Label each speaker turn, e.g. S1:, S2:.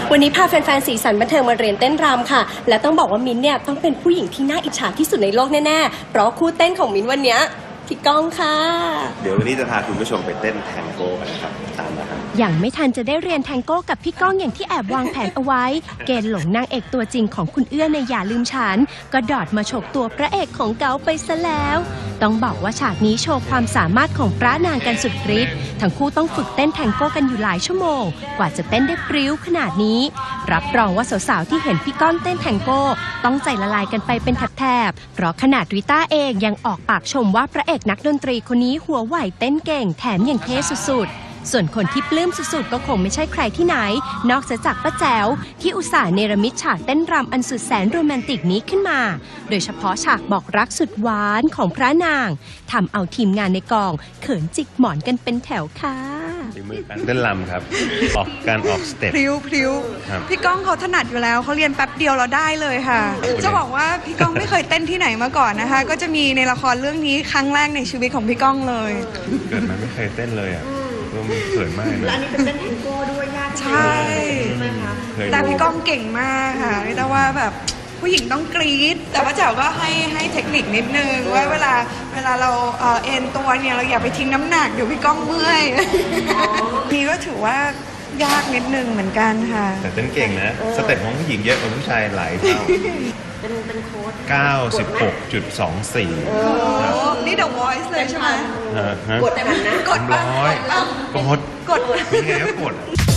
S1: วันนี้พาแฟนๆสีสันบันเทิงมาเรียนเต้นรำค่ะและต้องบอกว่ามิ้นท์เนี่ยต้องเป็นผู้หญิงที่น่าอิจฉาที่สุดในโลกแน่ๆเพราะคู่เต้นของมิ้นท์วันนี้พี่ก้องค่ะ
S2: เดี๋ยววันนี้จะพาคุณผู้ชมไปเต้นแทงโก้กันนะครับตามมาครับ
S1: อย่างไม่ทันจะได้เรียนแทงโก้กับพี่ก้องอย่างที่แอบวางแผนเอาไว้เกณฑ์หลงนางเอกตัวจริงของคุณเอื้อในอย่าลืมฉันก็ดอดมาฉกตัวพระเอกของเก๋าไปซะแล้วต้องบอกว่าฉากนี้โชว์ความสามารถของพระนางกันสุดฤทธิ์ทั้งคู่ต้องฝึกเต้นแทงโก้กันอยู่หลายชั่วโมงกว่าจะเต้นได้พริ้วขนาดนี้รับรองว่าสาวๆที่เห็นพี่ก้องเต้นแทงโก้ต้องใจละลายกันไปเป็นแถบๆเพราะขนาดริต้าเองยังออกปากชมว่าพระเอกนักดนตรีคนนี้หัวไหวเต้นเก่งแถมยังเท่สุดๆส่วนคนที่ปลื้มสุดๆก็คงไม่ใช่ใครที่ไหนนอกจากป้าแจ๋วที่อุตส่าห์เนรมิตฉากเต้นรำอันสุดแสนโรแมนติกนี้ขึ้นมาโดยเฉพาะฉากบอกรักสุดหวานของพระนางทำเอาทีมงานในกองเขินจิกหมอนกันเป็นแถวค่ะ
S3: ฝีมือการเต้นรำครับการออกสเต็ป
S4: พริ้วพี่ก้องเขาถนัดอยู่แล้วเขาเรียนแป๊บเดียวเราได้เลยค่ะจะบอกว่าพี่ก้องไม่เคยเต้นที่ไหนมาก่อนนะคะก็จะมีในละครเรื่องนี้ครั้งแรกในชีวิตของพี่ก้องเลย
S3: เกิดมาไม่เคยเต้นเลยอ่ะมันเขินมาก
S5: แล้วอันนี้เป็นเต้นแทงโก้ด้วยยาก
S4: ใช่แต่พี่ก้องเก่งมากค่ะแต่ว่าแบบผู้หญิงต้องกรี๊ดแต่ว่าเจ๋วก็ให้เทคนิคนิดนึงว่าเวลาเราเอ็นตัวเนี่ยเราอย่าไปทิ้งน้ำหนักเดี๋ยวพี่ก้องเมื่อยนี่ก็ถือว่ายากนิดนึงเหมือนกันค่ะ
S3: แต่เต้นเก่งนะสเต็ปของผู้หญิงเยอะกว่าผู้ชายหลายเท่า
S5: เป็นโค้ด
S3: 96.24
S4: นี่ The Voice เลยใช่ไหม
S5: กดได้ไหมนะ
S4: กดบ้าง
S3: กดนี่ไงก็กด